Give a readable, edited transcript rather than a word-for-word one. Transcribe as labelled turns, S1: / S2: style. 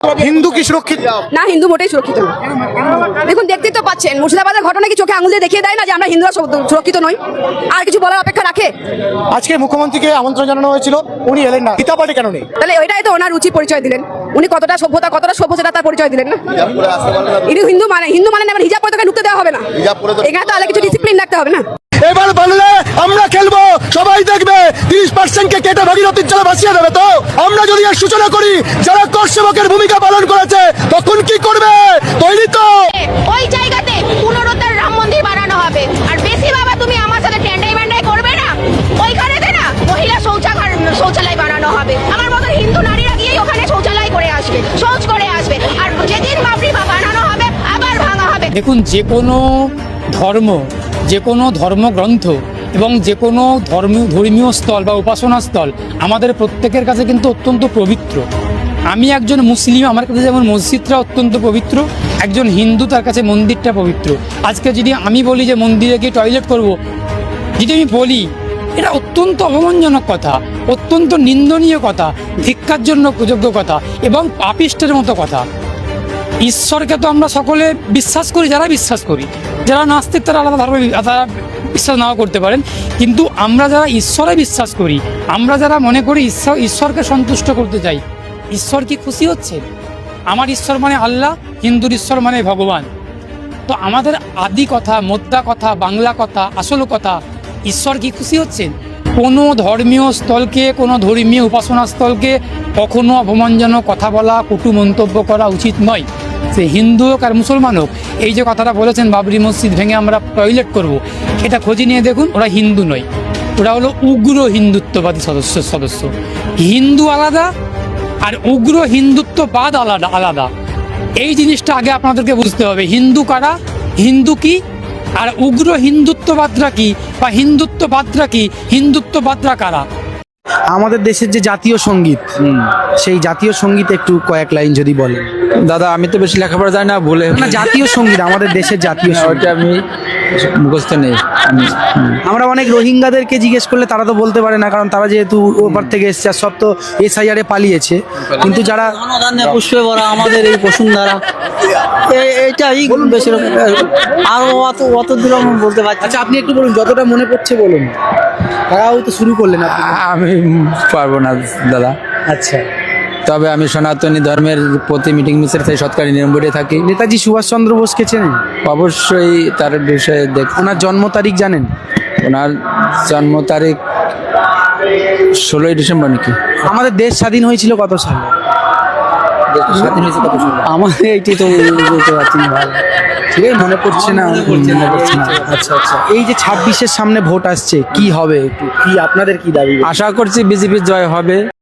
S1: হিন্দু কি সুরক্ষিত?
S2: না, হিন্দু মোটেই সুরক্ষিত না। দেখুন, দেখতেই তো পাচ্ছেন মুর্শিদাবাদের ঘটনা কি চোখে আঙুল দিয়ে দেখিয়ে দেয় না যে আমরা হিন্দুরা সুরক্ষিত নই? আর কিছু বলার অপেক্ষা রাখে?
S1: আজকে মুখ্যমন্ত্রীকে আমন্ত্রণ জানানো হয়েছিল, উনি এলেন না, গীতা পার্টি কেন নেই?
S2: তাহলে ওইটাই তো ওনার রুচি পরিচয় দিলেন। উনি কতটা সভ্য সেটা তার পরিচয় দিলেন না। ইনি হিন্দু মানে না, হিজাব পরে তোকে ঢুকতে দেওয়া হবে না। এখানে তো আলাদা কিছু ডিসিপ্লিন রাখতে হবে না।
S1: এবার বাংলা আমরা খেলবো, সবাই দেখবে 30% কে কেটে ভাগীরথীর জলে ভাসিয়ে দেবে। তো আমরা যদি এর সূচনা করি, যারা কর সেবকের ভূমিকা পালন করেছে, তখন কি করবে? তৈরি তো?
S3: ওই জায়গাতে পুনরুদ্ধার রাম মন্দির বানানো হবে। আর বেশি বাবা তুমি আমার সাথে টেন্ডাই করবে না। ওইখানেতে না মহিলা শৌচালয় বানানো হবে। আমার মতো হিন্দু নারীরা গিয়ে ওখানে শৌচালয় করে আসবে, শৌচ করে আসবে। আর যেদিন বাবরি বানানো হবে আবার ভাঙা হবে।
S4: দেখুন, যে কোনো ধর্ম, যে কোনো ধর্মগ্রন্থ এবং যে কোনো ধর্মীয় স্থল বা উপাসনা স্থল আমাদের প্রত্যেকের কাছে কিন্তু অত্যন্ত পবিত্র। আমি একজন মুসলিম, আমার কাছে যেমন মসজিদটা অত্যন্ত পবিত্র, একজন হিন্দু তার কাছে মন্দিরটা পবিত্র। আজকে যদি আমি বলি যে মন্দিরে গিয়ে টয়লেট করব, যদি আমি বলি, এটা অত্যন্ত অপমানজনক কথা, অত্যন্ত নিন্দনীয় কথা, ধিক্কার জন্য যোগ্য কথা এবং পাপিষ্টের মতো কথা। ঈশ্বরকে তো আমরা সকলে বিশ্বাস করি, যারা বিশ্বাস করি। যারা নাস্তিক তারা আলাদা ধর্মে তারা বিশ্বাস নাও করতে পারেন, কিন্তু আমরা যারা ঈশ্বরে বিশ্বাস করি, আমরা যারা মনে করি ঈশ্বরকে সন্তুষ্ট করতে চাই, ঈশ্বর কি খুশি হচ্ছে? আমার ঈশ্বর মানে আল্লাহ, হিন্দুর ঈশ্বর মানে ভগবান। তো আমাদের আদি কথা, মোদ্দা কথা, বাংলা কথা, আসল কথা, ঈশ্বর কি খুশি হচ্ছেন? কোনো ধর্মীয় স্থলকে, কোনো ধর্মীয় উপাসনা স্থলকে কখনো অপমানজনক কথা বলা, কটু মন্তব্য করা উচিত নয়। সে হিন্দু হোক আর মুসলমান হোক। এই যে কথাটা বলেছেন বাবরি মসজিদ ভেঙে আমরা টয়লেট করব, এটা খোঁজ নিয়ে দেখুন, ওরা হিন্দু নয়, ওরা হলো উগ্র হিন্দুত্ববাদী সদস্য। হিন্দু আলাদা আর উগ্র হিন্দুত্ববাদ আলাদা। এই জিনিসটা আগে আপনাদেরকে বুঝতে হবে। হিন্দু কারা, হিন্দু কি, আর উগ্র হিন্দুত্ববাদরা কি, বা হিন্দুত্ববাদরা কি, হিন্দুত্ববাদরা কারা।
S5: আমাদের দেশের যে জাতীয় সঙ্গীত, সেই জাতীয় সঙ্গীত একটু কয়েক লাইন যদি বলেন।
S6: দাদা, আমি তো বেশি লেখাপড়া জানি না, বলে
S5: না, জাতীয় সঙ্গীত, আমাদের দেশের জাতীয় সঙ্গীত।
S6: ওইটা আমি মুখস্থ নেই।
S5: আমরা অনেক রোহিঙ্গাদেরকে জিজ্ঞেস করলে তারা তো বলতে পারে না, কারণ তারা যেহেতু ওপার থেকে এসছে আর সব তো SIR পালিয়েছে। কিন্তু যারা
S7: পুষ্পে ভরা আমাদের এই বসুন্ধরা, এইটাই বেশি আরো অত দূর আমি বলতে পারছি।
S5: আচ্ছা, আপনি একটু বলুন, যতটা মনে পড়ছে বলুন। তারাও তো শুরু করলেন আপনি।
S6: আমি পারবো না দাদা।
S5: আচ্ছা,
S6: তবে আমি সনাতনী ধর্মের প্রতি মিটিং মিছিল থেকে সৎকারী নিয়মে থাকি।
S5: নেতাজি সুভাষচন্দ্র বোসকে চেনেন?
S6: অবশ্যই তার বিষয়ে
S5: ওনার জন্ম তারিখ জানেন?
S6: ওনার জন্ম তারিখ 16ই ডিসেম্বর নাকি?
S5: আমাদের দেশ স্বাধীন হয়েছিল কত সালে?
S6: স্বাধীন হয়েছে কত সালে?
S5: আমাদের এইটি তো বলতে পারছি না, ভালো ঠিক আছে, মনে পড়ছে না। আচ্ছা আচ্ছা, এই যে 26-এর সামনে ভোট আসছে, কি হবে, কি আপনাদের কি দাবি?
S6: আশা করছি বিজেপির জয় হবে।